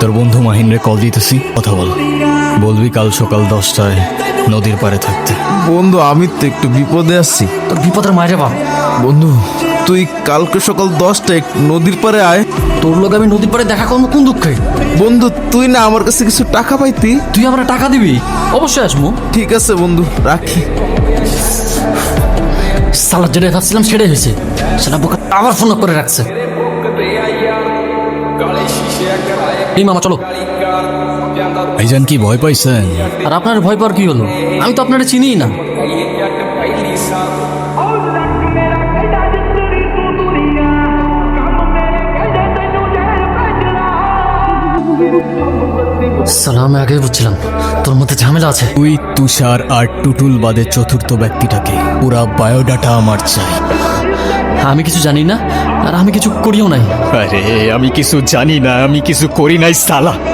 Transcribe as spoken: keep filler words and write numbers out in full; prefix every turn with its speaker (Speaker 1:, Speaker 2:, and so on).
Speaker 1: তোর বন্ধু মাহিন্দ্রে কল দিতেছি, কথা বল। বলবি কাল সকাল দশটায় নদীর পাড়ে থাকতে।
Speaker 2: বন্ধু আমি তো একটু বিপদে আছি।
Speaker 3: তোর বিপদের মায়ের বাপ।
Speaker 2: বন্ধু তুই কালকে সকাল দশটায় নদীর পাড়ে আয়।
Speaker 3: তোর লোক আমি নদীর পাড়ে দেখা করবো কোন দুঃখে?
Speaker 2: বন্ধু তুই না আমার কাছে কিছু টাকা পাইতি।
Speaker 3: তুই আমরা টাকা দিবি? অবশ্যই আসবো।
Speaker 2: ঠিক আছে বন্ধু, রাখি।
Speaker 3: সালাদ যেটা ভাবছিলাম সেটাই হয়েছে। সেটা বোকা আবার ফোন করে রাখছে। এই মামা চলো।
Speaker 1: ভাইজান কি ভয় পাইছেন?
Speaker 3: আর আপনার ভয় পাওয়ার কি হলো? আমি তো আপনারা চিনিই না। সালাম, আগে বুঝছিলাম তোর মধ্যে ঝামেলা আছে।
Speaker 1: তুই, তুষার আর টুটুল বাদে চতুর্থ ব্যক্তিটাকে পুরা বায়োডাটা আমার চাই।
Speaker 3: আমি কিছু জানি না আর আমি কিছু করিও নাই।
Speaker 1: আরে আমি কিছু জানি না, আমি কিছু করি নাই সালা।